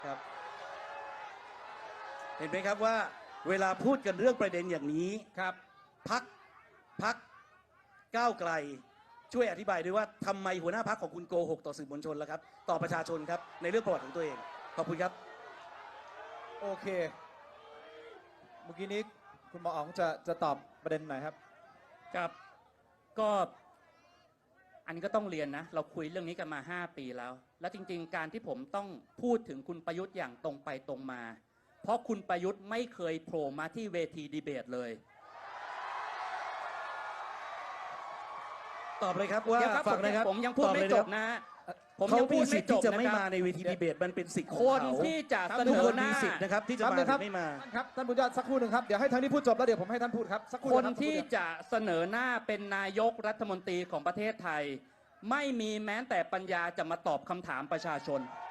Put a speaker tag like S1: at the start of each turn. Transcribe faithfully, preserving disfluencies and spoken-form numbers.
S1: ครับเห็นไหมครับว่าเวลาพูดกันเรื่องประเด็นอย่างนี้ครับพักพักก้าวไกลช่วยอธิบายด้วยว่าทำไมหัวหน้าพักของคุณโกหกต่อสื่อมวลชนแล้วครับต่อประชาชนครับในเรื่องประวัติของตัวเองขอบคุณครับ
S2: โอเคเมื่อกี้นี้คุณหมออ๋องจะจะตอบประเด็นไหนครับ
S3: ครับก็อันนี้ก็ต้องเรียนนะเราคุยเรื่องนี้กันมาห้าปีแล้วและจริงๆการที่ผมต้องพูดถึงคุณประยุทธ์อย่างตรงไปตรงมาเพราะคุณประยุทธ์ไม่เคยโผล่มาที่เวทีดีเบตเลย
S1: ตอบเลยครับว่า
S3: ฟังนะครับผมยังพูดไม่จบนะผมยังพูดไม่จบ
S1: จะไม่มาในเวทีดีเบตมันเป็นสิทธิ์ของ
S3: คน
S1: เขา
S3: ที่จะเสน
S1: ทุก
S3: อ
S1: คน
S3: หน้า
S1: มีสิทธิ์นะครับที่จะมาหรือไม่มา
S2: ครับท่านบุญยอดสักครู่หนึ่งครับเดี๋ยวให้ทางนี้พูดจบแล้วเดี๋ยวผมให้ท่านพูดครับสักครู่
S3: คนที่จะเสนอหน้าเป็นนายกรัฐมนตรีของประเทศไทยไม่มีแม้แต่ปัญญาจะมาตอบคำถามประชาชน